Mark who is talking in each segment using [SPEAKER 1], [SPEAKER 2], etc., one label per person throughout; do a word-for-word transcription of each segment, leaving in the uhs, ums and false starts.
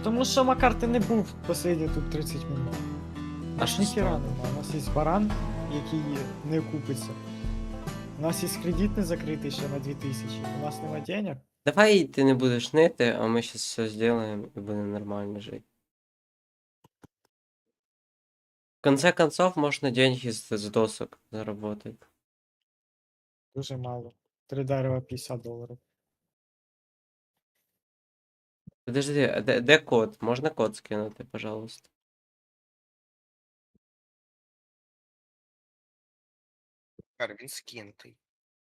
[SPEAKER 1] Тому що, Макар, ти не був посидіти тут тридцять минут.
[SPEAKER 2] А
[SPEAKER 1] Аж
[SPEAKER 2] що
[SPEAKER 1] ніхіра
[SPEAKER 2] стало?
[SPEAKER 1] нема. У нас є баран, який не окупиться. У нас є кредит не закритий ще на дві тисячі. У нас нема денег.
[SPEAKER 2] Давай ти не будеш нити, а ми зараз все зробимо і буде нормально жити. В конце концов, можна деньги з, з досок заработать.
[SPEAKER 1] Дуже мало. Три дерева п'ятдесят доларів.
[SPEAKER 2] Подожди, а де, де код? Можна код скинути, пожалуйста?
[SPEAKER 3] Макар, він скинутий.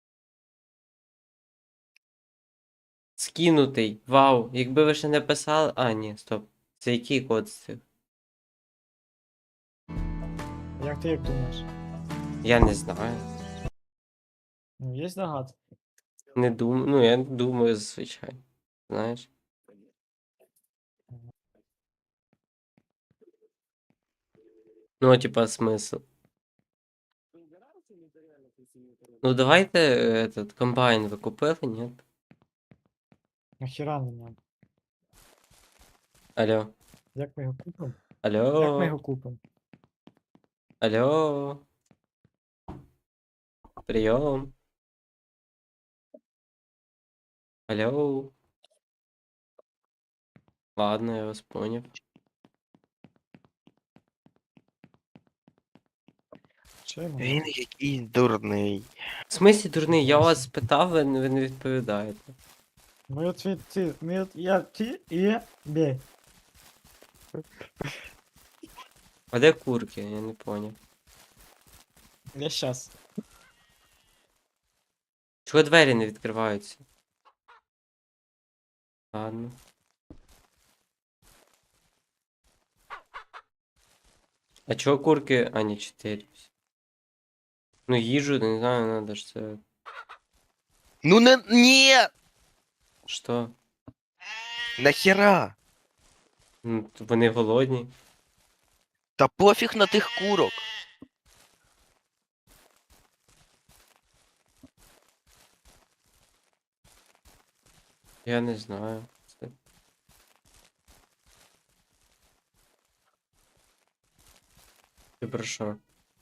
[SPEAKER 2] Скинутий. Вау. Якби ви ще не писали. А, ні, стоп. Це який код з цих?
[SPEAKER 1] Як ти як думаєш?
[SPEAKER 2] Я не знаю.
[SPEAKER 1] Ну, є догадки.
[SPEAKER 2] Не думаю. Ну, я не думаю, звичайно. Знаєш? Ну, типа, смисл. Ну, давайте е, этот комбайн ви купили, ні?
[SPEAKER 1] Нахіра не нам?
[SPEAKER 2] Алло.
[SPEAKER 1] Як ми його купимо?
[SPEAKER 2] Алло.
[SPEAKER 1] Як ми його купимо?
[SPEAKER 2] Алло. Прийом. Алло. Ладно, я вас понял.
[SPEAKER 1] Що йому?
[SPEAKER 3] Він якийсь дурний.
[SPEAKER 2] В смислі, дурний, я вас спитав, ви, не- ви не відповідаєте.
[SPEAKER 1] Ми от від ти, ми от я ти і бей.
[SPEAKER 2] А де курки? Я не понял.
[SPEAKER 1] Я щас.
[SPEAKER 2] Чого двері не відкриваються? Ладно. А чого курки? А, не, чотири. Ну, їжу, не знаю, надо ж це.
[SPEAKER 3] Ну не. Ні!
[SPEAKER 2] Що?
[SPEAKER 3] Нахера?
[SPEAKER 2] Ну, т- вони голодні.
[SPEAKER 3] Та пофіг на тих курок.
[SPEAKER 2] Я не знаю. Це- Ти про що?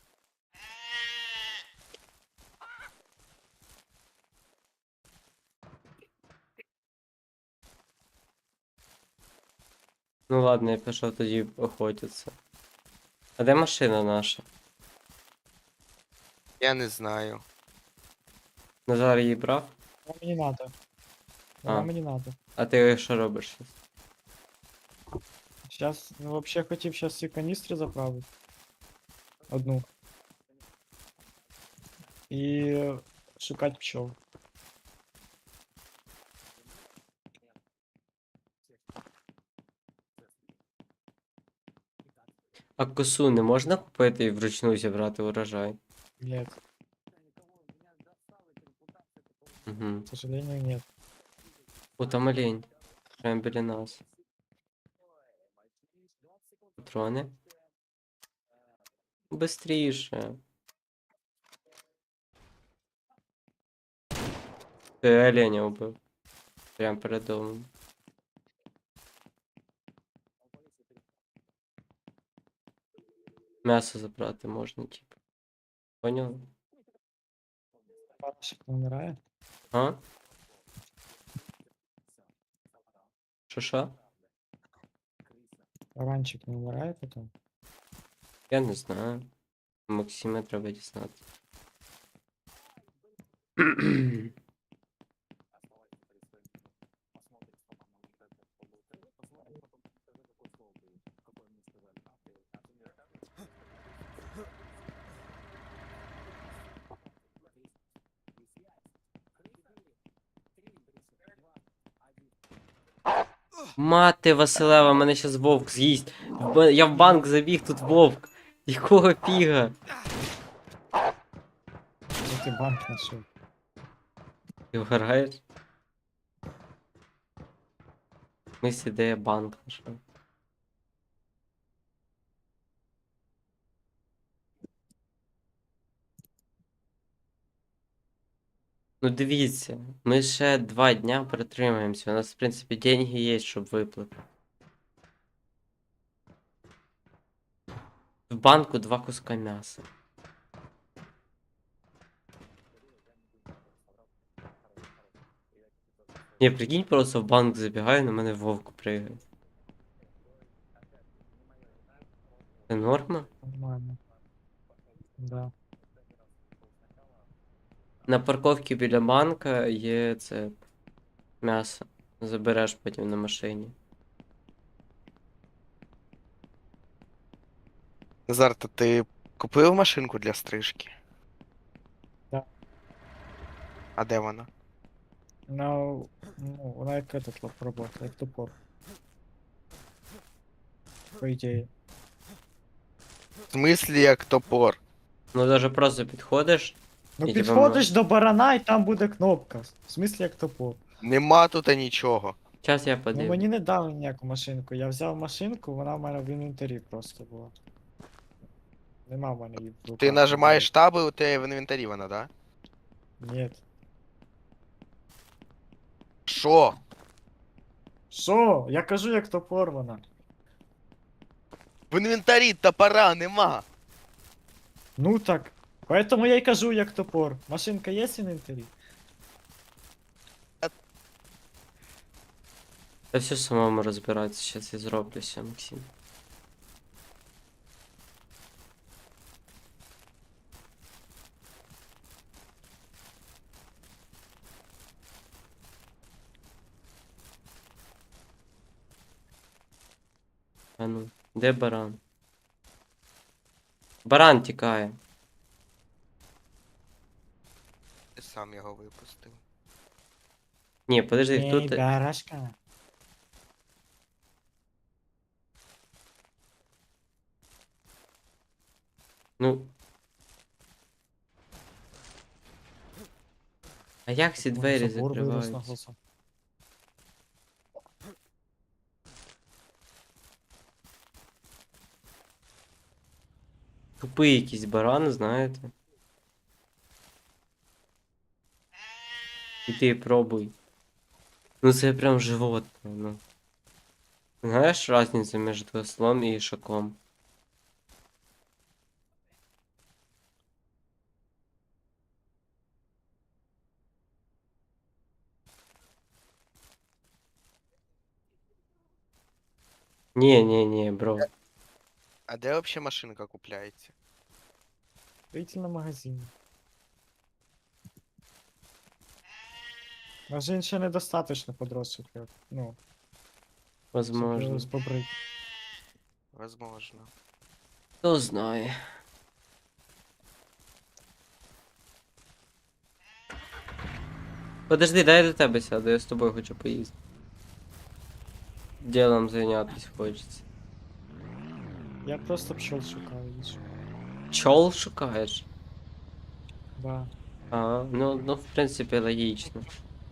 [SPEAKER 2] Ну ладно, я пішов тоді охотитися. А де машина наша?
[SPEAKER 3] Я не знаю.
[SPEAKER 2] Назар її брав?
[SPEAKER 1] Вона мені надо.
[SPEAKER 2] А.
[SPEAKER 1] Вона мені надо.
[SPEAKER 2] А ти що робиш зараз?
[SPEAKER 1] Щас, ну вообще хотів щас ці каністри заправити. Одну. І шукати пчол.
[SPEAKER 2] А косу не можна купити і вручну зібрати урожай?
[SPEAKER 1] Нет,
[SPEAKER 2] Угу.
[SPEAKER 1] к сожалению, нет.
[SPEAKER 2] О, там олень. Прямо біля нас. Патрони. Быстріше. Ти оленя убив. Прям перед домом. М'ясо забрати можна, типу. Поняв?
[SPEAKER 1] Панчик не вмирає.
[SPEAKER 2] А? Що що?
[SPEAKER 1] Ранчик не вмирає потім.
[SPEAKER 2] Я не знаю. Максима треба дізнати. Мати Василева, мене щас вовк з'їсть. В ба- Я в банк забіг, тут вовк. Якого фіга?
[SPEAKER 1] Де ти банк знайшов?
[SPEAKER 2] Ти вгораєш? В смысле, де я банк знайшов? Ну дивіться, ми ще два дня протримаємося. У нас, в принципі, деньги є, щоб виплатити. В банку два куска м'яса. Ні, прикинь, просто в банк забігаю, на мене вовк пригає. Це норма?
[SPEAKER 1] Нормально. Да.
[SPEAKER 2] На парковці біля банка є це м'ясо. Забереш потім на машині.
[SPEAKER 3] Назар, то ти купив машинку для стрижки?
[SPEAKER 1] Да.
[SPEAKER 3] А де вона?
[SPEAKER 1] Ну, ну, вона як этот лап работає, як топор. По ідеї.
[SPEAKER 3] В смислі як топор?
[SPEAKER 2] Ну даже просто підходиш.
[SPEAKER 1] Ну
[SPEAKER 2] І типа
[SPEAKER 1] підходиш до барана і там буде кнопка. В смислі як топор.
[SPEAKER 3] Нема тут нічого.
[SPEAKER 2] Час я
[SPEAKER 1] Ну
[SPEAKER 2] подивлю.
[SPEAKER 1] мені не дали ніяку машинку. Я взяв машинку, вона в мене в інвентарі просто була. Нема в мене її в руках.
[SPEAKER 3] Ти нажимаєш таби, у тебе в інвентарі вона, да?
[SPEAKER 1] Ні.
[SPEAKER 3] Що?
[SPEAKER 1] Що? Я кажу, як топор вона.
[SPEAKER 3] В інвентарі топора нема.
[SPEAKER 1] Ну так. Поэтому я й кажу, як топор. Машинка є в інвентарі?
[SPEAKER 2] Та все самому розбиратися, щас я зроблю все, Максим. А ну, де баран? Баран тікає.
[SPEAKER 3] Ти сам його випустив.
[SPEAKER 2] Ні, подожди,
[SPEAKER 1] Ей,
[SPEAKER 2] хто ти?
[SPEAKER 1] барашка.
[SPEAKER 2] Ну. А як ці двері
[SPEAKER 1] Забор вирос на
[SPEAKER 2] закриваються?
[SPEAKER 1] глазах.
[SPEAKER 2] Тупий якийсь баран, знаєте. І ти пробуй. Ну це прям животне, ну. Знаєш разницю між ослом і ішаком? Ні, ні, ні, бро.
[SPEAKER 3] А де взагалі машинка купляється?
[SPEAKER 1] Строительном магазині. Може він ще недостаточно подросший, для- ну, щоб
[SPEAKER 2] Возможно.
[SPEAKER 1] його збобрити.
[SPEAKER 3] Возможно.
[SPEAKER 2] Хто знає. Подожди, дай я до тебе сяду, я з тобою хочу поїздити. Ділом зайнятися хочеться.
[SPEAKER 1] Я просто пчел шукаю. і що.
[SPEAKER 2] Чол шукаєш?
[SPEAKER 1] Да.
[SPEAKER 2] А, ну, ну, в принципі, логічно.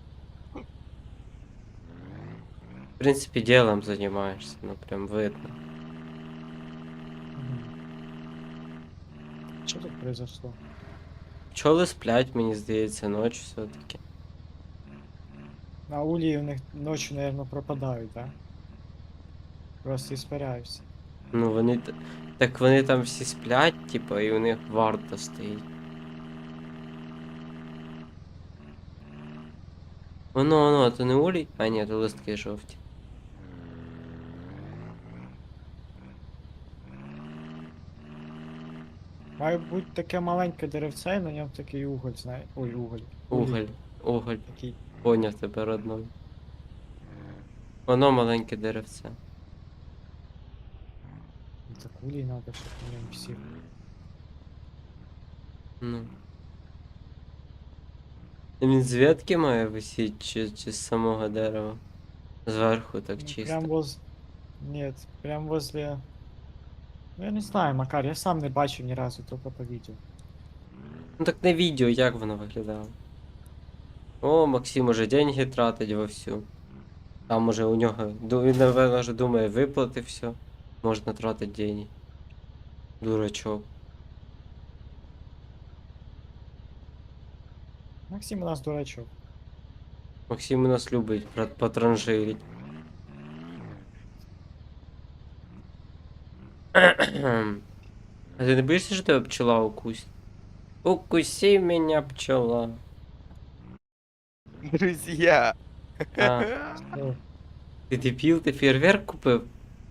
[SPEAKER 2] В принципі, ділом займаєшся, ну прям видно.
[SPEAKER 1] Мгм. Що тут произошло?
[SPEAKER 2] Пчоли сплять, мені здається, ночі все-таки.
[SPEAKER 1] На улі у них ночі, наверное, пропадають, да? Просто іспаряються.
[SPEAKER 2] Ну вони. т- Так вони там всі сплять, типа, і у них варта стоїть. Воно, воно, а то не улій? А ні, то листки жовті.
[SPEAKER 1] Має бути таке маленьке деревце, і на ньому такий уголь, знає. Ой, уголь.
[SPEAKER 2] Уголь, уголь,
[SPEAKER 1] Такий.
[SPEAKER 2] поняв тебе родной. Воно маленьке деревце.
[SPEAKER 1] Ну, так улій надо, щоб на ньому всі.
[SPEAKER 2] Ну. Він з ветки має висіти, чи, чи з самого дерева? Зверху так
[SPEAKER 1] Ну,
[SPEAKER 2] чисто.
[SPEAKER 1] Прям воз... Нет, прям возле... Ну я не знаю, Макар, я сам не бачив ні разу, тільки по відео.
[SPEAKER 2] Ну так на відео як воно виглядало. О, Максим уже деньги тратить вовсю. Там уже у нього, ду- він, напевно, вже думає, виплати все. Можна тратити деньги. Дурачок.
[SPEAKER 1] Максим у нас дурачок.
[SPEAKER 2] Максим у нас любить про- потранжирить. А ти не боїшся, що тебе пчела укусить? Укуси меня, пчела.
[SPEAKER 3] Друзья.
[SPEAKER 2] А,
[SPEAKER 1] О,
[SPEAKER 2] ти дебіл, ти фейерверк купив?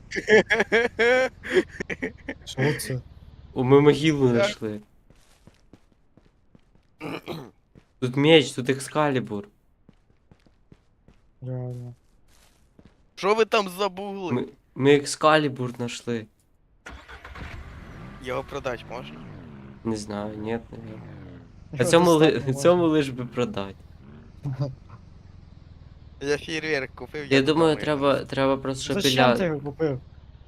[SPEAKER 1] що це?
[SPEAKER 2] О, ми могилу
[SPEAKER 3] Так.
[SPEAKER 2] знайшли. Тут меч, тут екскалібур.
[SPEAKER 1] Реально.
[SPEAKER 3] Що ви там забули?
[SPEAKER 2] Ми, ми екскалібур знайшли.
[SPEAKER 3] Його продать можна?
[SPEAKER 2] Не знаю, ні, наверное. А
[SPEAKER 1] Його
[SPEAKER 2] цьому, ли,
[SPEAKER 1] достатньо
[SPEAKER 2] цьому
[SPEAKER 1] можна.
[SPEAKER 2] лиш би продати.
[SPEAKER 3] Я фейерверк купив,
[SPEAKER 2] Я
[SPEAKER 3] як
[SPEAKER 2] думаю,
[SPEAKER 3] вдома
[SPEAKER 2] треба,
[SPEAKER 3] його.
[SPEAKER 2] треба просто
[SPEAKER 1] Зачем ти
[SPEAKER 2] шапіля.
[SPEAKER 1] його купив?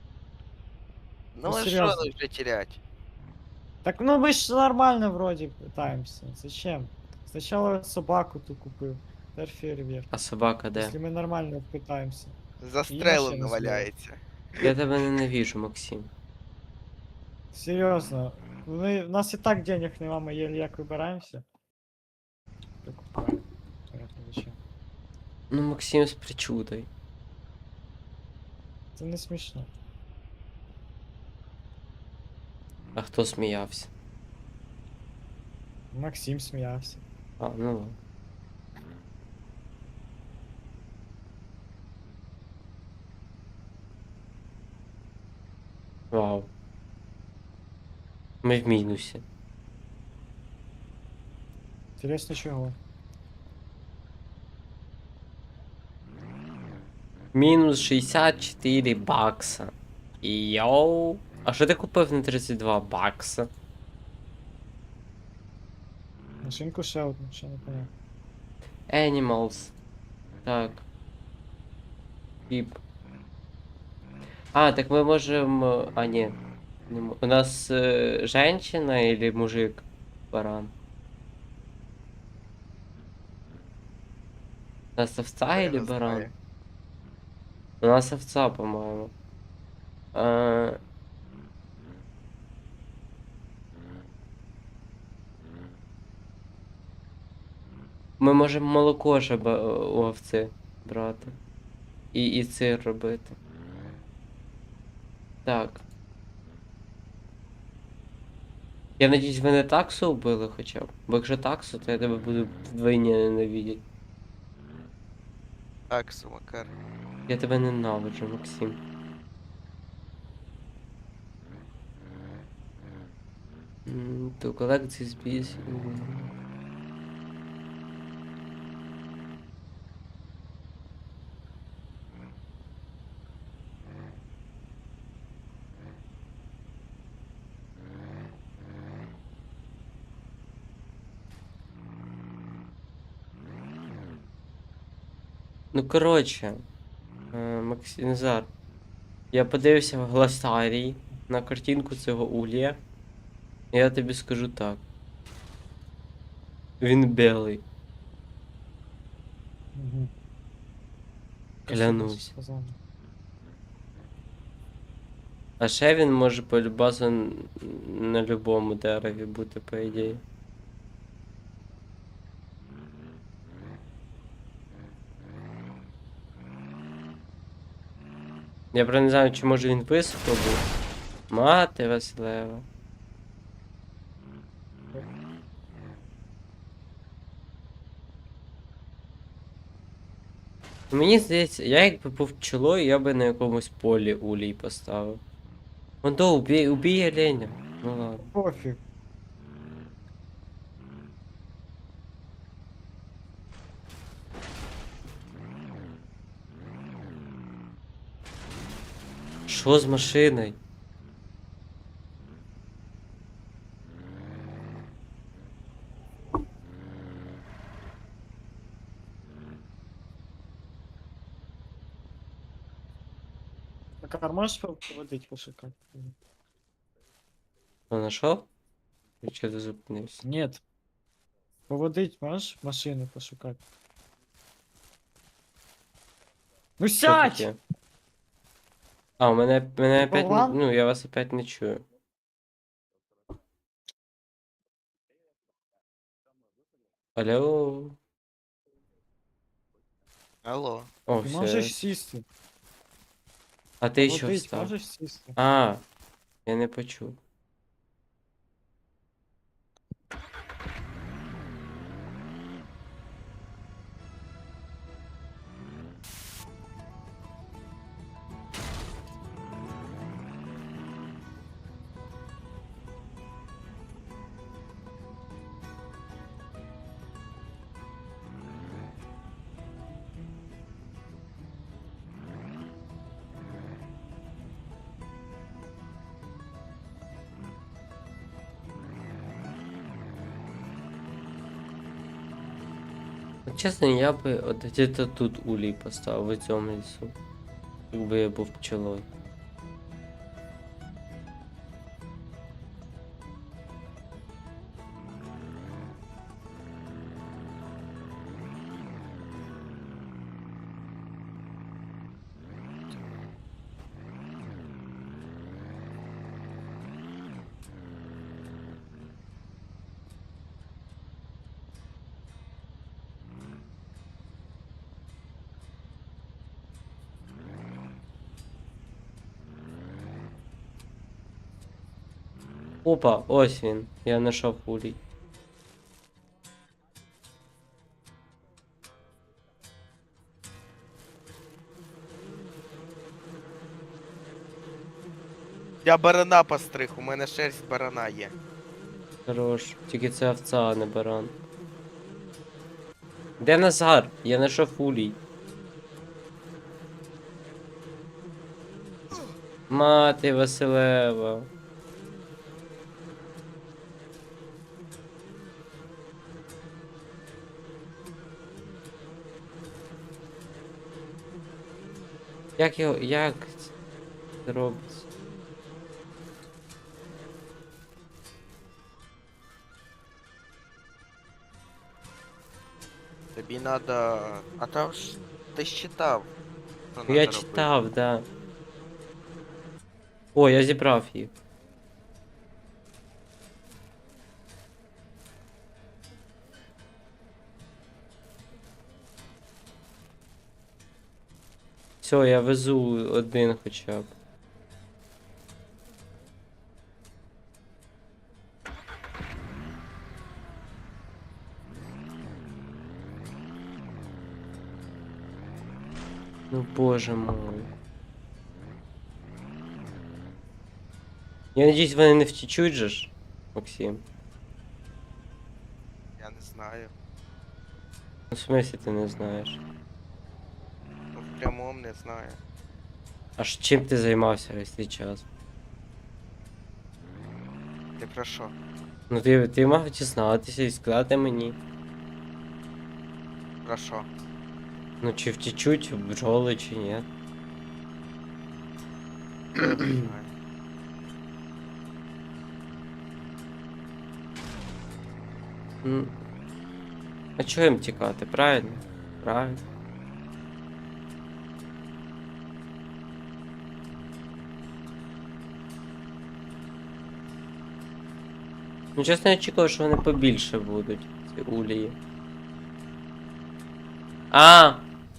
[SPEAKER 3] Ну а що
[SPEAKER 1] серйозно?
[SPEAKER 3] вже терять?
[SPEAKER 1] Так ну ми ж нормально вроді питаємося. Зачем? Спочатку собаку ту купив. Тепер фейерверк.
[SPEAKER 2] А собака де?
[SPEAKER 1] Якщо ми нормально питаємося.
[SPEAKER 3] Застрелено
[SPEAKER 1] машину
[SPEAKER 3] валяється.
[SPEAKER 2] Я тебе ненавижу, Максим.
[SPEAKER 1] Серйозно. Ми, у нас і так денег нема, ми єлі як вибираємося. Прикупаємо. Понятно, зачем.
[SPEAKER 2] Ну, Максим з причудою.
[SPEAKER 1] Це не смішно.
[SPEAKER 2] А хто сміявся?
[SPEAKER 1] Максим сміявся.
[SPEAKER 2] А, ну ладно. Вау. Ми в мінусі.
[SPEAKER 1] Інтересно чого?
[SPEAKER 2] Мінус шістдесят чотири бакса. Йоу. А що ти купив на тридцять два бакса?
[SPEAKER 1] Машинку ще одну, ще не поняв.
[SPEAKER 2] Animals. Так. Піп. А, так мы можем... э, А, нет. Не мо- У нас э, женщина или мужик? Баран. У нас овца
[SPEAKER 3] Я
[SPEAKER 2] или
[SPEAKER 3] не
[SPEAKER 2] баран?
[SPEAKER 3] знаю.
[SPEAKER 2] У нас овца, по-моему. А, Ми можемо молоко ще ба- у овці брати. І, і сир робити. Так. Я надіюсь, ви не таксу вбили хоча б. Бо якщо таксу, то я тебе буду вдвойні ненавидіти.
[SPEAKER 3] Так, Сумакар.
[SPEAKER 2] Я тебе ненавиджу, Максим. М, To collect this piece. Ну, коротше, е, Максим Назар, я подивився в гласарії на картинку цього улья. І я тобі скажу так. Він білий.
[SPEAKER 1] Угу.
[SPEAKER 2] Клянусь. А ще він може полюбасу н- на любому дереві бути, по ідеї. Я правда не знаю, чи може він високо був. Мати Василева. Мені здається, я якби був пчелою, я би на якомусь полі улій поставив. Вон то, убій, убій оленя. Ну ладно.
[SPEAKER 1] Пофіг.
[SPEAKER 2] Що з машиною?
[SPEAKER 1] Так, а можеш поводить пошукати?
[SPEAKER 2] А нашов? Чи чого ти зупинився?
[SPEAKER 1] Нет. Поводить можеш машину пошукати? Ну
[SPEAKER 2] Що
[SPEAKER 1] сядь!
[SPEAKER 2] таке? А, у мене, мене
[SPEAKER 1] Ти
[SPEAKER 2] опять, не-
[SPEAKER 1] болван?
[SPEAKER 2] ну я вас опять не чую. Алло.
[SPEAKER 3] Алло.
[SPEAKER 2] О,
[SPEAKER 1] Ти
[SPEAKER 2] все.
[SPEAKER 1] можеш сісти.
[SPEAKER 2] А ти що
[SPEAKER 1] Поводить
[SPEAKER 2] встав?
[SPEAKER 1] можеш сісти.
[SPEAKER 2] А, я не почув. От чесно, я би от где-то тут улей поставив у цьому лісу. Якби я був пчелою. Опа, ось він. Я знайшов улей.
[SPEAKER 3] Я барана постриг, у мене шерсть барана є.
[SPEAKER 2] Хорош. Тільки це овца, а не баран. Де Назар? Я знайшов улей. Мати Василева. Як його. Як це робиться?
[SPEAKER 3] Тобі надо. А там ж ти ж читав. що
[SPEAKER 2] Ну, я
[SPEAKER 3] надо робити.
[SPEAKER 2] читав, да. О, я зібрав їх. Все, я везу один хоча б. Ну боже мой. Я надіюсь, вони не втічуть же ж, Максим.
[SPEAKER 3] Я не знаю.
[SPEAKER 2] Ну, в смысле ти не знаєш?
[SPEAKER 3] Ну, в прямому не знаю.
[SPEAKER 2] А ж чим ти займався весь цей час?
[SPEAKER 3] Ти про що?
[SPEAKER 2] Ну ти, ти мав дізнатися і сказати мені.
[SPEAKER 3] Про що?
[SPEAKER 2] Ну чи втічуть бджоли, чи ні.
[SPEAKER 3] Я не знаю.
[SPEAKER 2] Ну, а чого їм тікати, правильно? Правильно. Ну, чесно, я очікував, що вони побільше будуть, ці улії. А!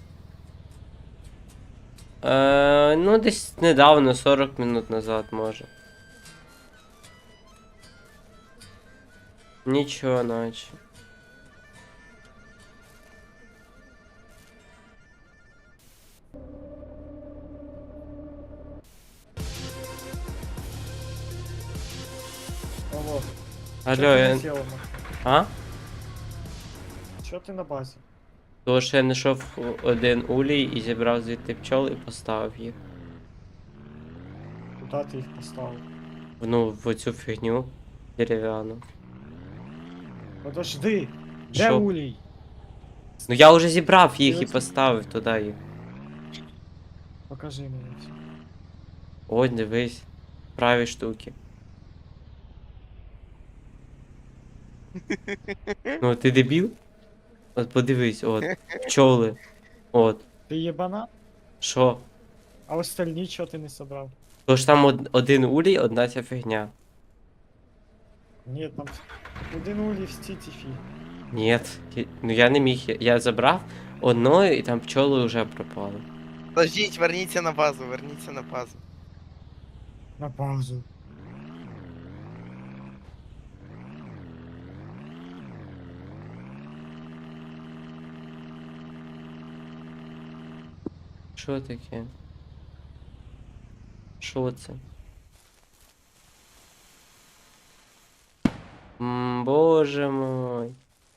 [SPEAKER 2] Е, ну, десь недавно, сорок минут назад, може. Нічого, наче.
[SPEAKER 1] Алло.
[SPEAKER 2] Алло, я...
[SPEAKER 1] Чо
[SPEAKER 2] А?
[SPEAKER 1] Чо ти на базі?
[SPEAKER 2] Тому що я знайшов один улій і зібрав звідти пчол і поставив їх.
[SPEAKER 1] Куди ти їх поставив?
[SPEAKER 2] Ну, в оцю фігню дерев'яну.
[SPEAKER 1] Подожди! Де
[SPEAKER 2] Що?
[SPEAKER 1] улій?
[SPEAKER 2] Ну я вже зібрав їх і
[SPEAKER 1] Дивись.
[SPEAKER 2] поставив туди їх.
[SPEAKER 1] Покажи мені все.
[SPEAKER 2] Ось, дивись. Праві штуки. Ну, ти дебіл? От подивись, от. Пчоли. От.
[SPEAKER 1] Ти єбана?
[SPEAKER 2] Що?
[SPEAKER 1] А остальні чого ти не собрав?
[SPEAKER 2] Тож там од- один улій, одна ця фігня.
[SPEAKER 1] Ні, там один улій в стіті фі.
[SPEAKER 2] Ні, ну я не міг. Я, я забрав одною і там пчоли вже пропали.
[SPEAKER 3] Подождіть, верніться на базу, верніться на базу.
[SPEAKER 1] На базу.
[SPEAKER 2] Що таке? Що це? М, боже мой.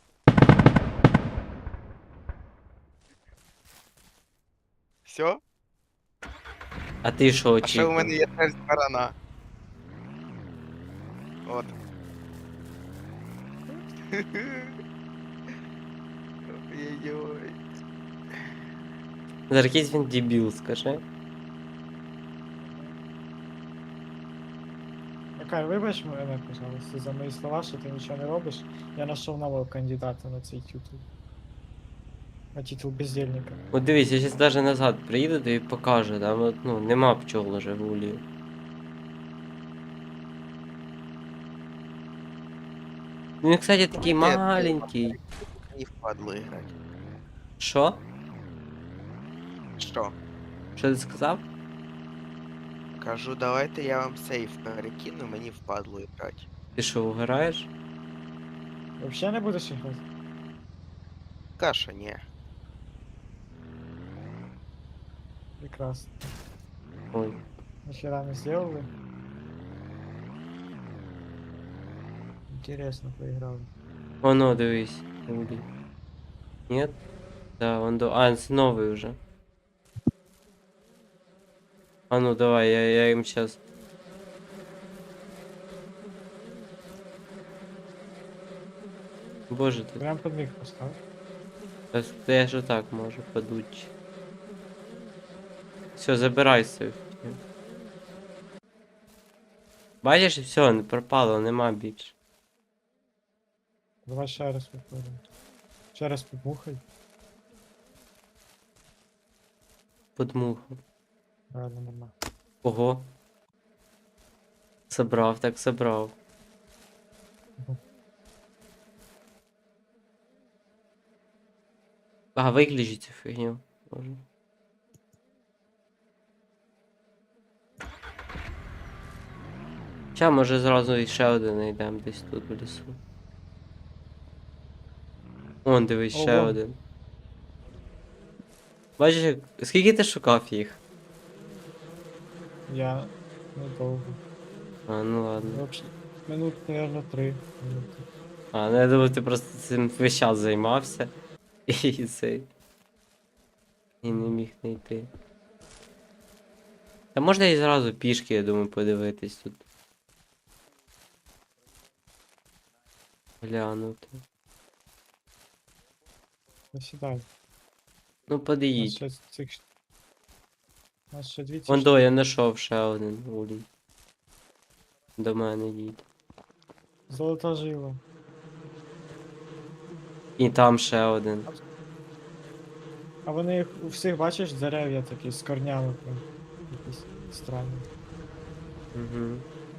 [SPEAKER 3] Все?
[SPEAKER 2] А ти що
[SPEAKER 3] А ще у мене
[SPEAKER 2] очікував?
[SPEAKER 3] є шерсть барана. От. Ой-ой-ой.
[SPEAKER 2] Зараз якийсь він дебіл, скажи.
[SPEAKER 1] Макар, вибач мене, пожалуйста, за мої слова, що ти нічого не робиш. Я знайшов нового кандидата на цей титул. На титул бездельника.
[SPEAKER 2] От дивись, я зараз навіть назад приїду, тобі покажу, там от, ну, нема пчол уже в улі. Він, кстати, такий
[SPEAKER 3] Нет,
[SPEAKER 2] маленький.
[SPEAKER 3] Не впадло играть.
[SPEAKER 2] Що?
[SPEAKER 3] Що?
[SPEAKER 2] Що ти сказав?
[SPEAKER 3] Кажу, давайте я вам сейф перекину, мені впадло играть.
[SPEAKER 2] Ти що, угораєш?
[SPEAKER 1] Вообще не будеш грати?
[SPEAKER 3] Каша, не.
[SPEAKER 1] Прекрасно.
[SPEAKER 2] Ой.
[SPEAKER 1] Нахера не сделали? Интересно поиграл.
[SPEAKER 2] Воно, дивись. Улі. Нет? Да, он до... А, це новий уже. А ну давай, я, я им сейчас. Боже ти.
[SPEAKER 1] Прям под них поставь.
[SPEAKER 2] Та та я ж так можу подуть. Все, забирай сейф. Бачиш, все, не пропало, нема більше.
[SPEAKER 1] Давай ще раз попробуем. Ще раз побухай.
[SPEAKER 2] Подмухав.
[SPEAKER 1] Правильно, нормально.
[SPEAKER 2] Ого. Собрав, так собрав.
[SPEAKER 1] Мгм.
[SPEAKER 2] А, виключи цю фігню. Може. Ща, може зразу іще один знайдемо десь тут в лісу. Вон, дивись, ще
[SPEAKER 1] Ого.
[SPEAKER 2] один. Бачиш, як- скільки ти шукав їх?
[SPEAKER 1] Я недовго.
[SPEAKER 2] А, ну ладно.
[SPEAKER 1] Вообще, минут, наверное, три минути.
[SPEAKER 2] А, ну я думав, ти просто цим весь час займався. І цей. І не міг знайти. Та можна і зразу пішки, я думаю, подивитись тут. Глянути.
[SPEAKER 1] Посідай.
[SPEAKER 2] Ну
[SPEAKER 1] У нас
[SPEAKER 2] подиїдь.
[SPEAKER 1] ще цих... У нас ще дві ці
[SPEAKER 2] Вон до, я знайшов ще один улій. До мене їдь.
[SPEAKER 1] Золота жила.
[SPEAKER 2] І там ще один.
[SPEAKER 1] А вони їх у всіх, бачиш, дерев'я такі з корнями прям. Якісь странні.
[SPEAKER 2] Угу.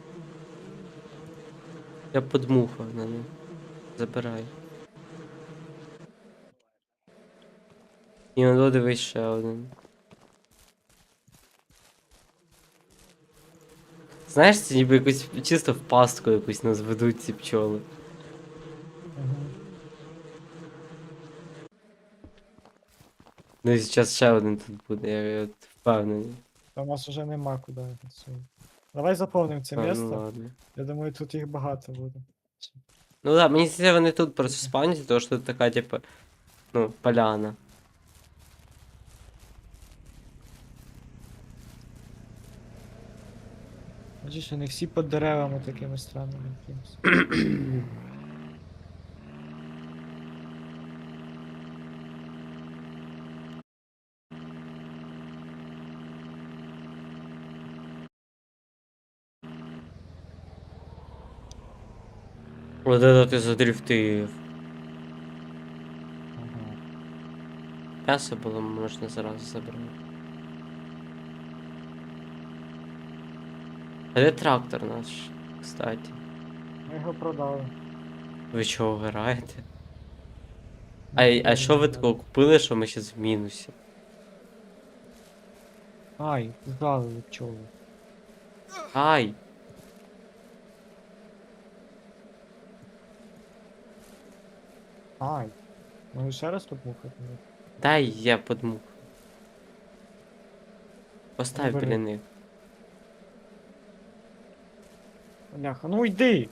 [SPEAKER 2] Я подмухав на них. Забирай. І он дивись ще один. Знаєш, це ніби якусь чисто в пастку якусь нас ведуть ці пчоли.
[SPEAKER 1] Угу.
[SPEAKER 2] Ну і зараз ще один тут буде, я, я от впевнений.
[SPEAKER 1] Та у нас вже нема куди. це. Давай заповнимо це
[SPEAKER 2] А, ну
[SPEAKER 1] місце.
[SPEAKER 2] ладно.
[SPEAKER 1] Я думаю, тут їх багато буде.
[SPEAKER 2] Ну да, мені здається, вони тут просто спавняться, тому що тут така, типу, ну, поляна.
[SPEAKER 1] Бачиш, вони всі під деревами такими странними якимось.
[SPEAKER 2] Вот это ти задрифтив.
[SPEAKER 1] Ага.
[SPEAKER 2] М'ясо було можна зразу забрати. А де трактор наш, кстати?
[SPEAKER 1] Ми його продали.
[SPEAKER 2] Ви чого граєте? А, й- а що ви такого купили, що ми зараз в мінусі?
[SPEAKER 1] Ай, здали пчоли.
[SPEAKER 2] Ай!
[SPEAKER 1] Ай. Може ще раз побухати?
[SPEAKER 2] Дай я подмух. Постав
[SPEAKER 1] Забери.
[SPEAKER 2] біля них.
[SPEAKER 1] Бляха, ну йди!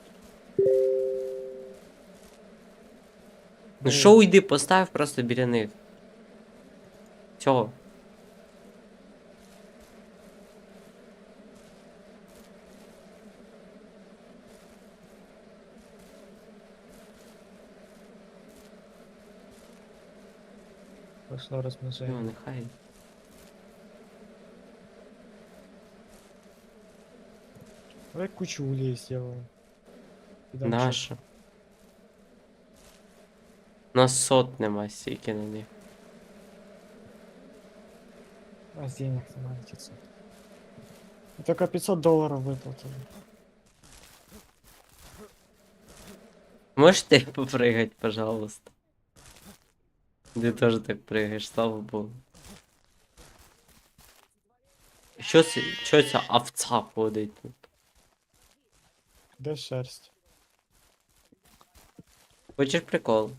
[SPEAKER 2] Ну що уйди, постав просто біля них. Цього.
[SPEAKER 1] пішло
[SPEAKER 2] Ну,
[SPEAKER 1] розмноження.
[SPEAKER 2] нехай.
[SPEAKER 1] Давай кучу улей сделаем. Підем
[SPEAKER 2] Наша. У нас сот нема стільки на них.
[SPEAKER 1] чё- А с денег нема пятьсот. И только пятьсот долларов выплатили.
[SPEAKER 2] Можеш ти попригать, пожалуйста? Ти теж так пригаєш, слава Богу. Що це, що ця овца ходить тут?
[SPEAKER 1] Где шерсть?
[SPEAKER 2] Хочеш прикол?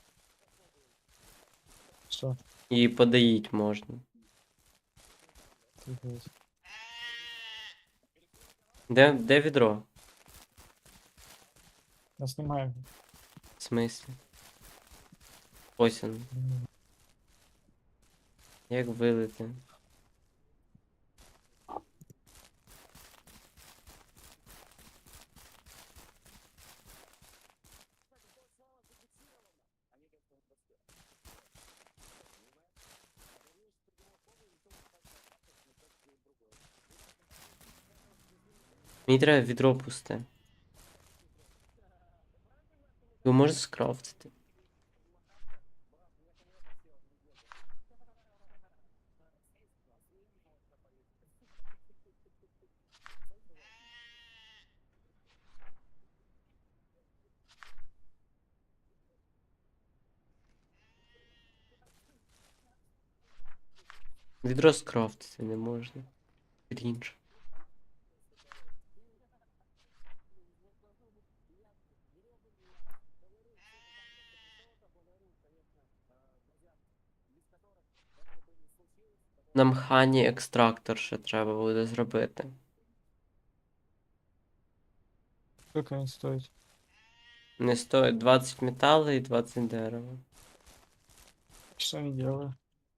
[SPEAKER 1] Что?
[SPEAKER 2] Її подоїть можна.
[SPEAKER 1] Офигеть.
[SPEAKER 2] Де, де відро?
[SPEAKER 1] Я снимаю.
[SPEAKER 2] В смислі? Ось воно.
[SPEAKER 1] М,
[SPEAKER 2] Як вилити? Мені треба відро пусте. Його можна скрафтити? Відро скрафтити не можна. Крінж. Нам хані екстрактор ще треба буде зробити.
[SPEAKER 1] Сколько он стоит?
[SPEAKER 2] Не стоїть двадцять металу і двадцять дерева.
[SPEAKER 1] Что я делаю?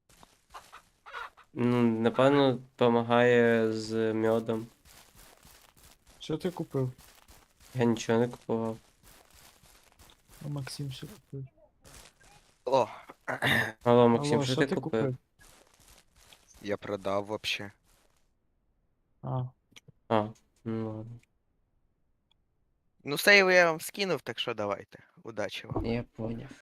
[SPEAKER 2] Ну, напевно, допомагає з мьодом.
[SPEAKER 1] Что ты купил?
[SPEAKER 2] Я нічого не купував.
[SPEAKER 1] А Максим что купил?
[SPEAKER 3] О,
[SPEAKER 2] Алло, Максим,
[SPEAKER 1] Алло,
[SPEAKER 2] що
[SPEAKER 1] что
[SPEAKER 2] ти
[SPEAKER 1] ты
[SPEAKER 2] купив?
[SPEAKER 1] купил?
[SPEAKER 3] я продав вообще.
[SPEAKER 1] А,
[SPEAKER 2] А, ну ладно.
[SPEAKER 3] Ну, сейв я вам скинув, так що давайте. Удачі вам.
[SPEAKER 2] Я поняв.